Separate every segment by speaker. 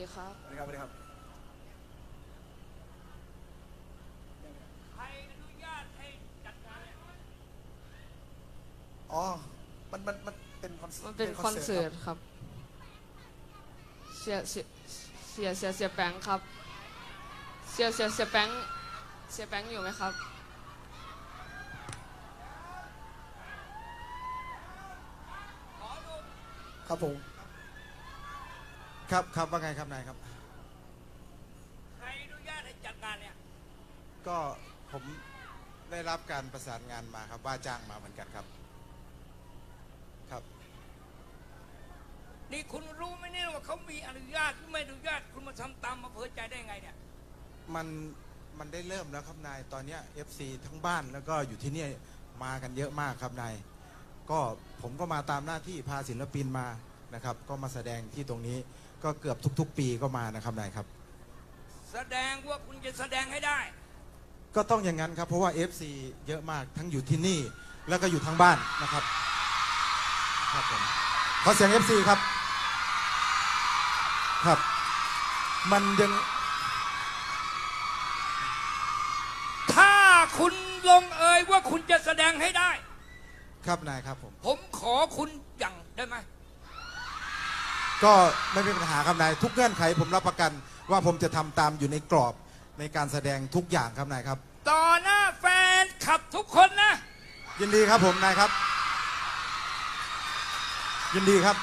Speaker 1: ดีครับ
Speaker 2: สวัสดีครับสวัสดีครับ
Speaker 3: ใครอนุญาตให้จัดงานเนี่ย
Speaker 2: อ๋อมันเป็นคอน
Speaker 1: มันเป็นคอนเสิร์ตครับเสียแปงครับเสียแปงอยู่ไหมครับ
Speaker 2: ครับผม
Speaker 4: ครับว่าไงครับนายครับ
Speaker 3: ใครอนุญาตให้จัดงานเนี่ย
Speaker 4: ก็ผมได้รับการประสานงานมาครับว่าจ้างมาเหมือนกันครับครับ
Speaker 3: นี่คุณรู้ไหมเนี่ยว่าเขามีอนุญาตหรือไม่อนุญาตคุณมาทำตามอำเภอใจได้ไงเนี่ย
Speaker 4: มันได้เริ่มแล้วครับนายตอนเนี้ย FC ทั้งบ้านแล้วก็อยู่ที่นี่มากันเยอะมากครับนายก็ผมก็มาตามหน้าที่พาศิลปินมานะครับก็มาแสดงที่ตรงนี้ก็เกือบทุกๆปีก็มานะครับนายครับ
Speaker 3: แสดงว่าคุณจะแสดงให้ได้
Speaker 4: ก็ต้องอย่างนั้นครับเพราะว่า FC เยอะมากทั้งอยู่ที่นี่แล้วก็อยู่ทั้งบ้านนะครับครับผมขอเสียง FC ครับครับมันยัง
Speaker 3: ถ้าคุณลงเอยว่าคุณจะแสดงให้ได้
Speaker 4: ครับนายครับผม
Speaker 3: ขอคุณอย่างได้ไหม
Speaker 4: ก็ไม่เป็นปัญหาครับนายทุกเงื่อนไขผมรับประกันว่าผมจะทำตามอยู่ในกรอบในการแสดงทุกอย่างครับนายครับ
Speaker 3: ต่อหน้าแฟนขับทุกคนนะ
Speaker 4: ยินดีครับผมนายครับยินดีครับ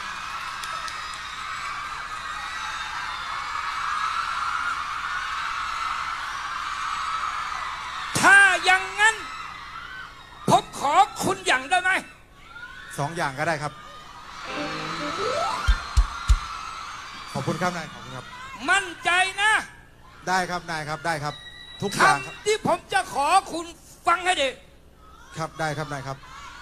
Speaker 3: ถ้าอย่างนั้นผมขอคุณอย่างได้ไหม
Speaker 4: 2 อย่างก็ได้ครับขอบคุณครับนายขอบคุณครับ
Speaker 3: มั่นใจนะ
Speaker 4: ได้ครับนายครับได้ครับทุกอย่างครับ
Speaker 3: คำที่ผมจะขอคุณฟังให้ดี
Speaker 4: ครับได้ครับนายครับ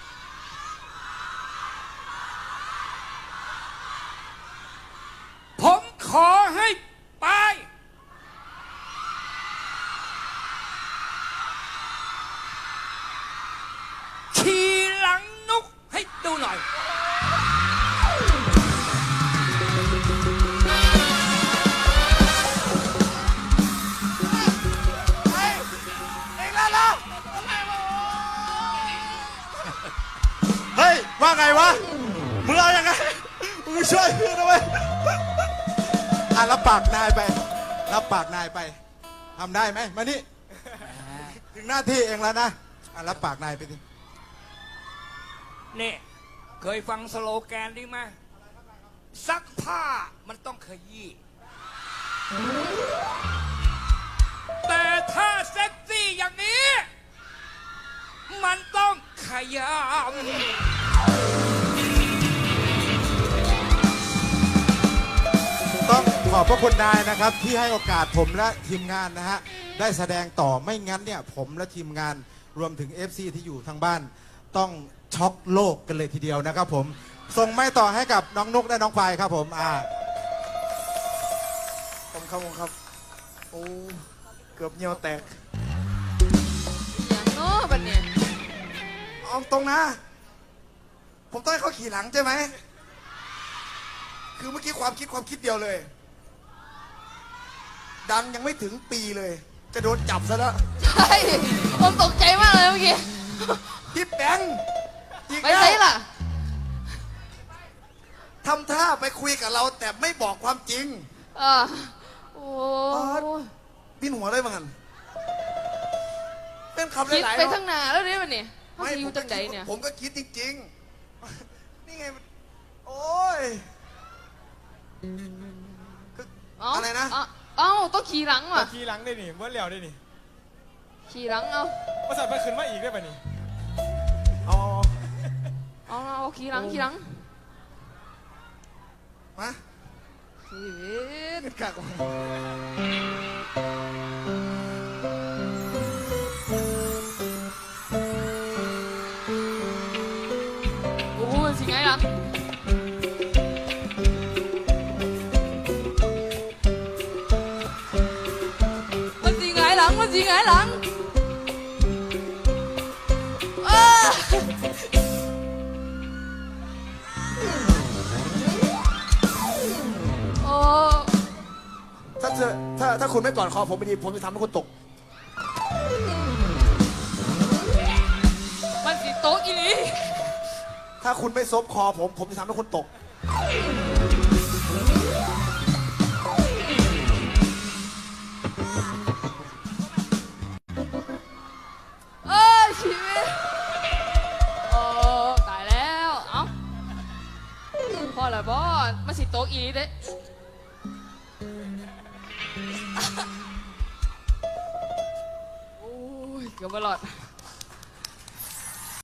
Speaker 3: ผมขอให้ไปขี่หลังนกให้ดูหน่อย
Speaker 4: เฮ้ยว่าไงวะมึงเอายังไงมึงช่วยเพื่อนด้วยรับปากนายไปรับปากนายไปทำได้ไหมมานี่ถึงหน้าที่เองแล้วนะรับปากนายไปดิ
Speaker 3: นี่ เคยฟังสโลแกนนี้ไหมซักผ้ามันต้องขยี้แต่ถ้าเซ็กซี่อย่างนี้ มันต้องขย
Speaker 4: ต้องขอบพระคุณนายนะครับที่ให้โอกาสผมและทีมงานนะฮะได้แสดงต่อไม่งั้นเนี่ยผมและทีมงานรวมถึง FC ที่อยู่ทางบ้านต้องช็อกโลกกันเลยทีเดียวนะครับผมส่งไม้ต่อให้กับน้องนุกและน้องไฟครับผม
Speaker 2: ผมครับโอ้เกือบเหนียวแตก
Speaker 1: อย่างโน้บัดเนี่ย
Speaker 2: เอาตรงนะ ผมต้องให้เขาขี่หลังใช่ไหมคือเมื่อกี้ความคิดเดียวเลย ดังยังไม่ถึงปีเลยจะโดนจับซะแล้ว
Speaker 1: ใช่ผมตกใจมากเลยเมื่อกี้
Speaker 2: พี่แบงค์อีก
Speaker 1: ไป
Speaker 2: แล้ว
Speaker 1: ไหนล่ะ
Speaker 2: ทำท่าไปคุยกับเราแต่ไม่บอกความจริง
Speaker 1: โอ้
Speaker 2: พี่หัวได้มั้งกันเป็นคำ
Speaker 1: คิด
Speaker 2: หลายๆ
Speaker 1: ไป
Speaker 2: เนาะ
Speaker 1: ทั้งหนาแล้วเนี่ยมันนี่เขา
Speaker 2: ไม่
Speaker 1: จะอยู่จังใดเนี่ย
Speaker 2: ผมก็คิดจริงๆ นี่ไงมันโอ้ยคืออะไรนะ
Speaker 1: เอ้าต้องขี่หลังว่ะ
Speaker 5: ขี่หลังได้นี่เมื่อแล้วได้นี่
Speaker 1: ขี่หลังเอา
Speaker 5: มาสั่นไปขึ้นมาอีกได้ป่ะนี่
Speaker 2: เอา
Speaker 1: เอาขี่หลัง
Speaker 2: มา
Speaker 1: ชีวิต
Speaker 2: กาก
Speaker 1: โอ้ยสิไงล่ะมันสิไงหลังโอ้
Speaker 2: ถ้าคุณไม่กอดคอผมไม่ดีผมจะทำให้คุณตก
Speaker 1: มันสิโต๊ะอีหลี
Speaker 2: ถ้าคุณไม่ซบคอผมจะทำให้คุณตก
Speaker 1: เอ้ยชีวิตโอ้ตายแล้ว เอ้าพ่อละบอมันสิโต๊ะอีหลีเด้โอ้ยเกือบไม่รอด